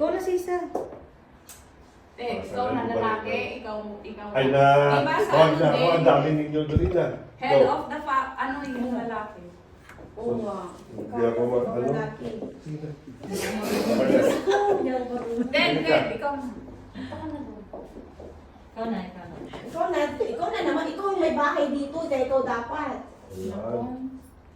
Ikaw na, Sisa. Ikaw na lalaki, ikaw. Ay na, Diba sa ano ako din? ang dami ninyo doon na. Head of the ano yung lalaki? Oo nga. Hindi ako ano. Lalaki. Sige. Then, ikaw na. Ikaw na naman. Ikaw yung may bahay dito. Kaya ikaw dapat. Ayan.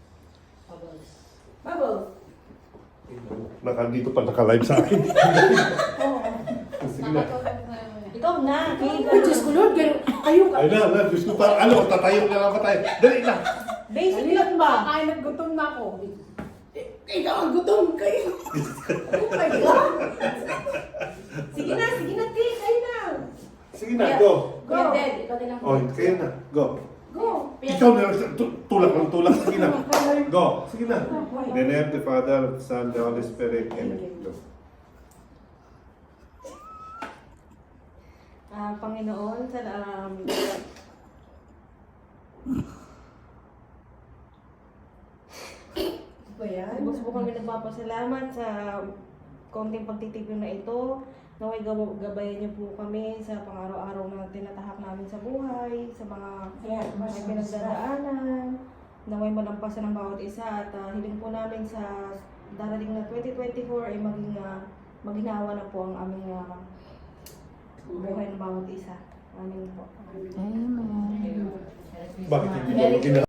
Bubble. Nakandito pa naka-live sa akin. Sige na. Ikaw na. Ay, Diyos ko, Lord, ayun ka. Ay na, Diyos ko pa. Ano, tatayo na lang ba tayo? Dali na. Basic lang ba? Kakain at gutom na ako. Ikaw ang gutom kayo. Oh my God. Sige na, Ti. Kayo na. Sige na, go. Go. Ikaw din ang Oh, kayo na. Go. Go. Ikaw na, tulak ng tulak. Sige na. Go. Sige na. In the name of the Father, Son, the Holy Spirit. Amen. Go. Panginoon, Ba yan? Bus po kami nagpapasalamat sa konting pagtitipon na ito. Naway gabayan niyo po kami sa pang-araw-araw na tinatahak namin sa buhay, sa mga may pinagdadaanan. Naway malampasan ng bawat isa at hiling po namin sa darating na 2024 ay maginawa na po ang aming buhay ng bawat isa. Amin po. Amen. Bakit hindi mo